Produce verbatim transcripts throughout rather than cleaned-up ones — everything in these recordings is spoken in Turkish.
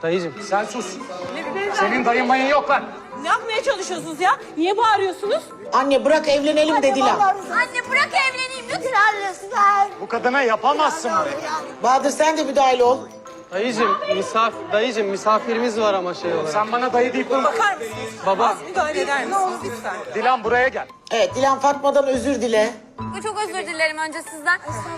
Dayıcım. Sen sus. Senin dayın mayın yok lan. Ne yapmaya çalışıyorsunuz ya? Niye bağırıyorsunuz? Anne bırak evlenelim dediler. Anne bırak evleneyim lütfen lütfen. Bu kadına yapamazsın bunu. Bahadır sen de müdahil ol. Dayıcım, misaf dayıcım misafirimiz var ama şey olarak. Sen bana dayı deyip durma. Bakar mısınız? Baba. Az müdahale eder misiniz lütfen? Dilan buraya gel. Evet Dilan Fatma'dan özür dile. Çok özür dilerim önce sizden.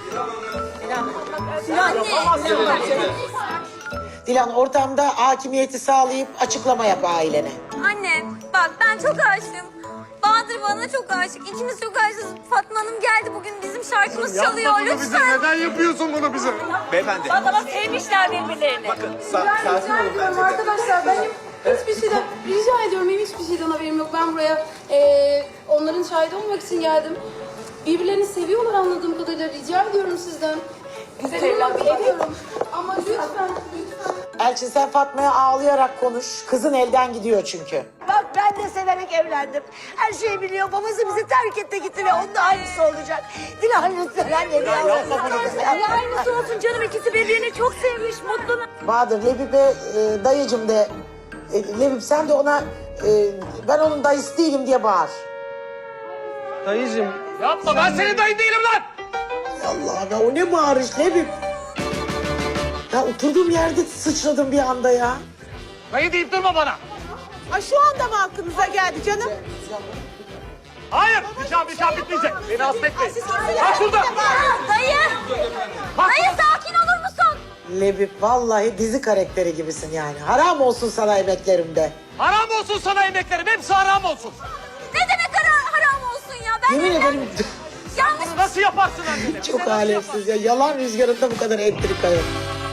Dilan ortamda hakimiyeti sağlayıp açıklama yap ailene. Anne bak ben çok aşığım. Bahadır bana çok aşık. İkimiz çok aşığız. Fatma Hanım geldi bugün bizim şarkımız çalıyor. Yapma bunu bize. Lütfen. Neden yapıyorsun bunu bize? Beyefendi. Ama sevmişler birbirlerini. Bakın sa sakin olun bence de. Arkadaşlar benim hiçbir şeyden rica ediyorum, benim hiçbir şeyden haberim yok. Ben buraya eee, onların şahidi olmak için geldim. Birbirlerini seviyorlar anladığım kadarıyla. Rica ediyorum sizden. Güzel Durmak evlat. bilmiyorum. Ama lütfen, lütfen. Elçin sen Fatma'ya ağlayarak konuş. Kızın elden gidiyor çünkü. Bak ben de severek evlendim. Her şeyi biliyor. Babası bizi terk etti gitti ve onun da aynısı olacak. Dilan lütfen anne. Allah aynısı olsun canım. İkisi birbirini çok sevmiş. Mutlu. Bahadır Lebip'e e, dayıcım de. E, Lebip sen de ona e, ben onun dayısı değilim diye bağır. Dayıcım. Yapma ben senin dayın değilim lan. Allah ya o ne bağırış Lebip. Ya oturduğum yerde sıçradım bir anda ya. Dayı deyip durma bana. Ay şu anda mı aklınıza geldi canım? Hayır. Nikah nikah bitmeyecek. Beni affetmeyin. Bak şurada. Dayı. Dayı sakin olur musun? Lebip vallahi dizi karakteri gibisin yani. Haram olsun sana emeklerimde. Haram olsun sana emeklerim. Hepsi haram olsun. Ne demek haram, haram olsun ya? Ben Yemin ederim yanlış. Bunu nasıl yaparsın annene? çok alemsiz ya. Yalan rüzgarında bu kadar entrika yok.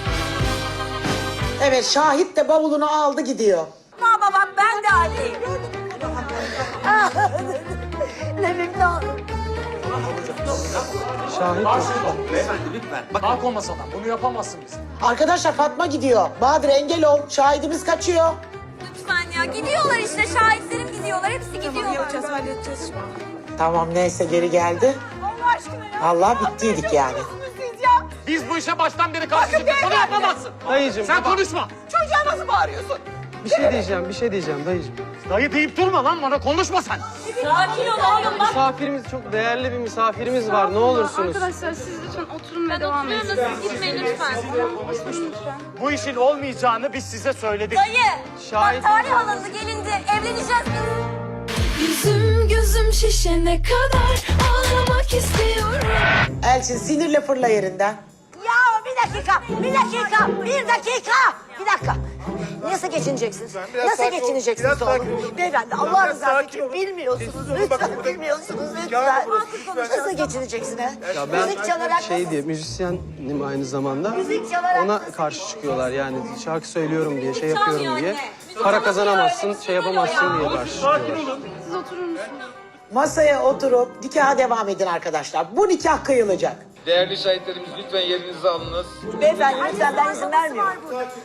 Evet Şahit de bavulunu aldı gidiyor. Baba bak ben de anneyim. Lebip ne olur. Şahit ol. Beyefendi lütfen. Bakın. Kalk o masadan. Bunu yapamazsın biz. Arkadaşlar Fatma gidiyor. Bahadır engel ol. Şahidimiz kaçıyor. Lütfen ya gidiyorlar işte şahitlerim gidiyorlar. Hepsi gidiyorlar. Yapacağız, halledeceğiz şimdi. Tamam neyse geri geldi. Allah aşkına ya. Allah bittiydik yani. Siz ya. Biz bu işe baştan beri karşıyız. Bunu yapamazsın. Dayıcım. Sen baba, konuşma. Çocuğa nasıl bağırıyorsun? Bir şey diyeceğim, bir şey diyeceğim dayıcım. Dayı deyip durma lan bana. Konuşma sen. Sakin ol oğlum bak. Misafirimiz çok değerli bir misafirimiz var. Ne olursunuz. Arkadaşlar siz lütfen oturun ve Ben devam edin. oturuyorum da siz gitmeyin lütfen. Bu işin olmayacağını biz size söyledik. Dayı. Şahit Bak tarih alındı gelindi. Evleneceğiz biz. Yüzüm gözüm şişene kadar ağlamak istiyorum. Elçin sinirle fırla yerinden. Ya bir dakika, bir dakika, bir dakika, bir dakika. Nasıl geçineceksiniz? Nasıl geçineceksiniz oğlum? Beyefendi Allah rızası için bilmiyorsunuz. Lütfen bilmiyorsunuz lütfen. Nasıl geçineceksin ha? Ya Müzik ben çalarak şey nasıl- diye müzisyenim aynı zamanda. Müzik çalarak Ona nasıl karşı çıkıyorlar yani şarkı söylüyorum diye, şey Çalmıyor yapıyorum diye. anne. Para kazanamazsın, şey yapamazsın diye karşı çıkıyorlar. Siz oturur musunuz? Masaya oturup nikaha devam edin arkadaşlar. Bu nikah kıyılacak. Değerli şahitlerimiz lütfen yerinizi alınız. Beyefendi lütfen ben izin vermiyorum.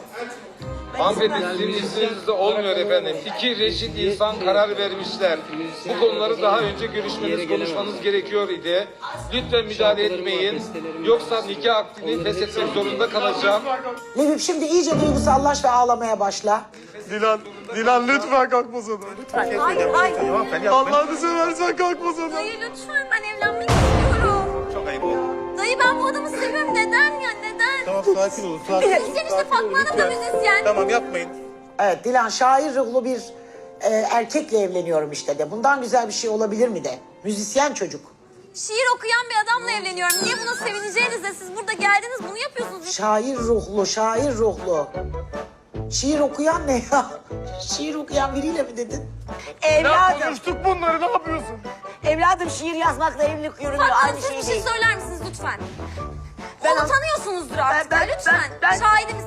Hanımefendi sizin izninizde olmuyor efendim. İki reşit insan karar vermişler. Bu konuları daha önce görüşmeniz, konuşmanız gerekiyor idi. Lütfen müdahale etmeyin. Yoksa nikah akdini feshetmek zorunda kalacağım. Lebip şimdi iyice duygusallaş ve ağlamaya başla. Dilan, Dilan lütfen kalk masadan. Hayır hayır. Hanımefendi yapmayın. Allah'ını seversen kalk masadan. Dayı lütfen ben evlenmek istiyorum. Çok ayıp oldu. Dayı ben bu adamı seviyorum. Neden ya neden? Tamam sakin olun. Sakin olun. Müzisyen işte Fatma Hanım da müzisyen. Tamam yapmayın. Evet Dilan şair ruhlu bir e, erkekle evleniyorum işte de. Bundan güzel bir şey olabilir mi de? Müzisyen çocuk. Şiir okuyan bir adamla evleniyorum. Niye buna sevineceğinize siz burada geldiniz bunu yapıyorsunuz. Şair ruhlu, şair ruhlu. Şiir okuyan ne ya? Şiir okuyan biriyle mi dedin? Ya Evladım, konuştuk bunları ne yapıyorsun? evladım şiir yazmakla evlilik yürümüyor. Fatma Hanım Aynı siz şey bir şey değil. söyler misiniz lütfen? Ben- Onu tanıyorsunuzdur artık Ben- ya, ben- lütfen. ben- ben- Şahidimiz.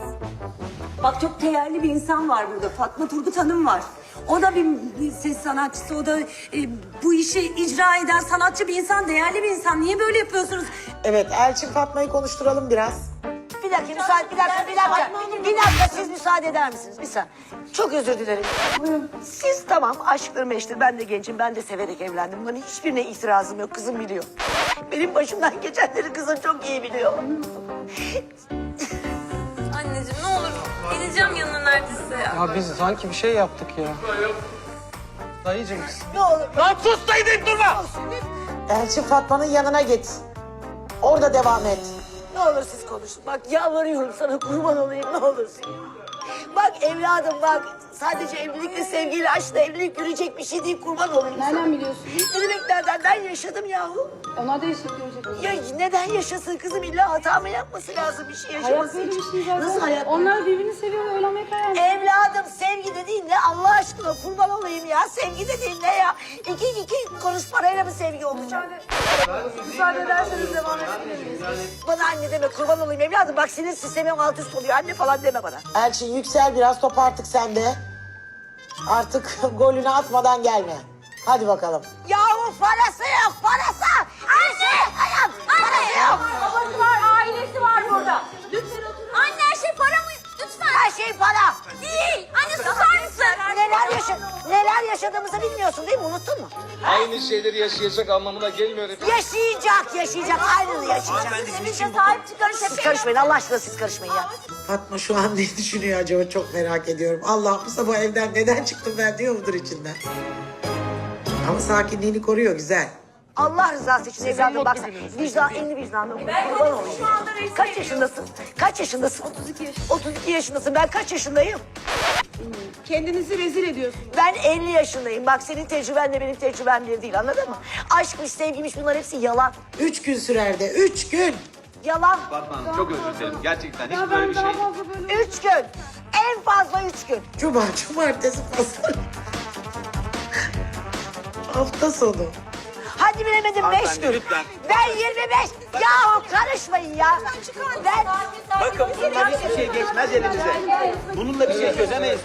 Bak çok değerli bir insan var burada. Fatma Turgut Hanım var. O da bir, bir ses sanatçısı. O da e, bu işi icra eden sanatçı bir insan, değerli bir insan. Niye böyle yapıyorsunuz? Evet Elçin Fatma'yı konuşturalım biraz. Bir dakika müsaade, bir dakika, bir dakika. Bir dakika siz müsaade eder misiniz? Bir saniye. Çok özür dilerim. Siz tamam aşktır meştir. Ben de gencim, ben de severek evlendim. Bunların hiçbirine itirazım yok. Kızım biliyor. Benim başımdan geçenleri kızım çok iyi biliyor. Anneciğim ne olur geleceğim yanına Ya biz sanki bir şey yaptık ya. Dayıcım Ne olur. Lan sus dayı deyip durma. Elçin Fatma'nın yanına git. Orada devam et. Ne olur siz konuşun. Bak yalvarıyorum sana, kurban olayım, ne olursun. Bak evladım bak, sadece evlilikle, sevgiyle, aşkla evlilik yürüyecek bir şey değil, kurban olayım sana. Nereden biliyorsun? Ne demek nereden? Ben yaşadım yahu. Onlar da yaşayıp görecek. Ya neden yaşasın kızım? İlla hata mı yapması lazım bir şey yaşaması Hayat böyle için? bir şey zaten. Nasıl hayat? Onlar birbirini seviyor ve evlenmeye karar vermiş. Evladım sevgi dediğin ne Allah aşkına, kurban olayım ya. Sevgi dediğin ne ya? İki iki kuruş parayla mı sevgi olacak? Müsaade ederseniz devam edebiliriz. Bana anne deme, kurban olayım evladım. Bak sinir sistemim alt üst oluyor. Anne falan deme bana. Elçin yüksel biraz, top artık sende. Artık golünü atmadan gelme. Hadi bakalım. Yahu parası yok, parası! Anne! Hayat! Parası yok! Babası var, ailesi var burada. Lütfen oturun. Anne her şey para mı? Lütfen. Her şey para. Değil. Anne susar mısın? Neler, yaşa neler yaşadığımızı bilmiyorsun değil mi? Unuttun mu? Aynı şeyleri yaşayacak anlamına gelmiyor efendim. Yaşayacak, yaşayacak. Aynını yaşayacak. Bize sahip çıkarın. Siz karışmayın, Allah aşkına siz karışmayın ya. Fatma şu an ne düşünüyor acaba, çok merak ediyorum. Allah bu sabah evden neden çıktım ben diyor mudur içinden. Ama sakinliğini koruyor, güzel. Allah rızası için evladım bak sen. Vicdan, elini vicdanla. Kurban olayım. şu anda resim Kaç yaşındasın? Kaç yaşındasın? otuz iki yaşındayım. otuz iki yaşındasın. Ben kaç yaşındayım? Kendinizi rezil ediyorsunuz. Ben elli yaşındayım. Bak senin tecrübenle benim tecrübem bir değil, anladın mı? Aşkmış, sevgiymiş, bunlar hepsi yalan. Üç gün sürer de, üç gün. Yalan. Fatma Hanım çok özür dilerim. Gerçekten hiç Ya böyle ben bir şey. daha fazla böyle... Üç gün. En fazla üç gün. Cuma, cumartesi, pazar. Hafta sonu. Hadi bilemedim beş Hanımefendi, gün. lütfen. Ben yirmi beş. Yahu karışmayın ya. Ben... Bakın bundan hiçbir şey geçmez elimize. Bununla bir şey çözemeyiz.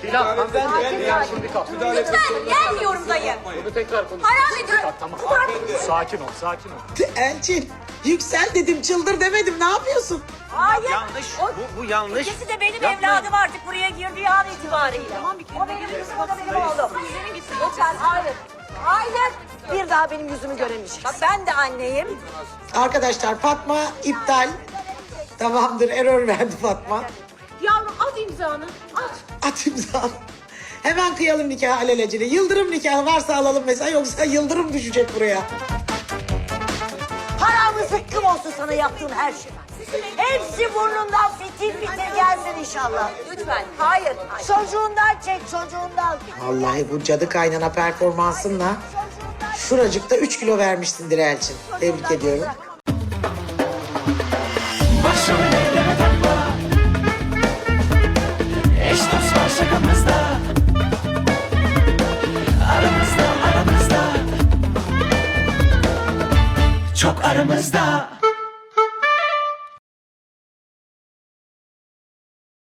Lütfen gelmiyorum dayı. Bunu tekrar konuş. Haram ediyorum. Tamam. Sakin ol, sakin ol. Elçin, yüksel dedim, çıldır demedim. Ne yapıyorsun? Hayır. Yanlış. O, Bu, bu yanlış. ikisi de benim Yapmayın. evladım artık buraya girdiği an itibariyle. Tamam bir kere. O benim kızım, o da benim oğlum. Lütfen hayır. Hayır. Bir daha benim yüzümü göremeyeceksin. Bak ben de anneyim. Arkadaşlar Fatma iptal. Tamamdır, error verdi Fatma. Yavrum at imzanı. At. At imza. Hemen kıyalım nikah alelacele. Yıldırım nikahı varsa alalım mesela, yoksa yıldırım düşecek buraya. Haramı zıkkım olsun sana yaptığım her şey. Hepsi burnundan fitil fitil gelsin inşallah. Lütfen. Hayır. Çocuğundan çek, çocuğundan. Vallahi bu cadı kaynana performansınla şuracıkta üç kilo vermişsindir Elçin. Tebrik ediyorum. Başrol eyleme takma. Eş dost var şakamızda. Aramızda aramızda. Çok aramızda.